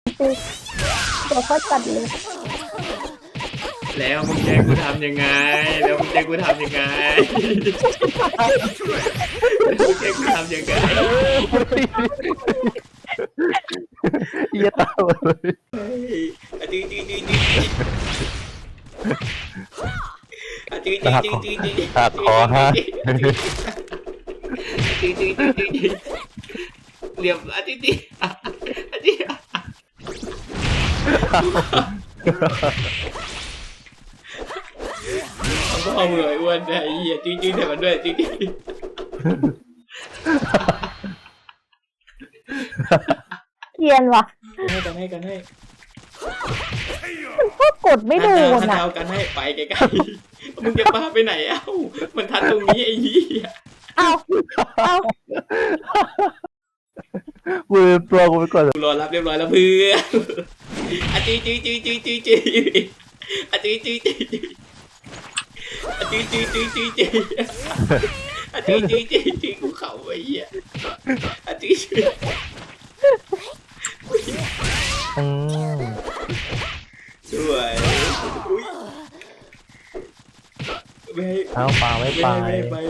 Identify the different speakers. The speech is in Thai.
Speaker 1: ตัวโคตรจัดเลย
Speaker 2: แล้วมึงจะให้กูทำยังไงแล้วมึงจะให้กูทำยังไงแล้วมึงจะให้กูทำยังไง
Speaker 3: เหี้ยตาเลย
Speaker 2: เฮ้ยอะจริงจริงจริงอะจริงจริงจริงจริงจริง
Speaker 3: หักคอฮะ
Speaker 2: จริงจริงจริงจริงจริงเหลี่ยมอะจริงจริงอะจริงเอาพ่อมึงไอ้อ้วนไอ้เหี้ยจริงจริงแต่มันด้วยจริงจริง
Speaker 1: เกรียนว่ะ
Speaker 2: กันให้
Speaker 1: มันก็กดไม่โดน
Speaker 2: ทั
Speaker 1: อ่ะ
Speaker 2: เอากันให้ไปไกลๆมึงจะพาไปไหนเอ้ามันทันตรงนี้ไอ้เหี้ย
Speaker 1: เอาเอา
Speaker 3: กูลืมตัวกูไปก่อน
Speaker 2: กูรอรับเรียบร้อยแล้วเพื่อนอะจริงจริงจริงจริงจริงจริงอะจริงจริงจริงจริงอะจริงจริงจริงจริงจริงอะจริงจริงจริงจริงกูเข่าไอ้เหี้ยอะจริงจริง
Speaker 3: อืม
Speaker 2: สวยอุ้ยไม่ให้
Speaker 3: เอาปลาไม่
Speaker 2: ไม่
Speaker 3: ไป
Speaker 2: ให้ไป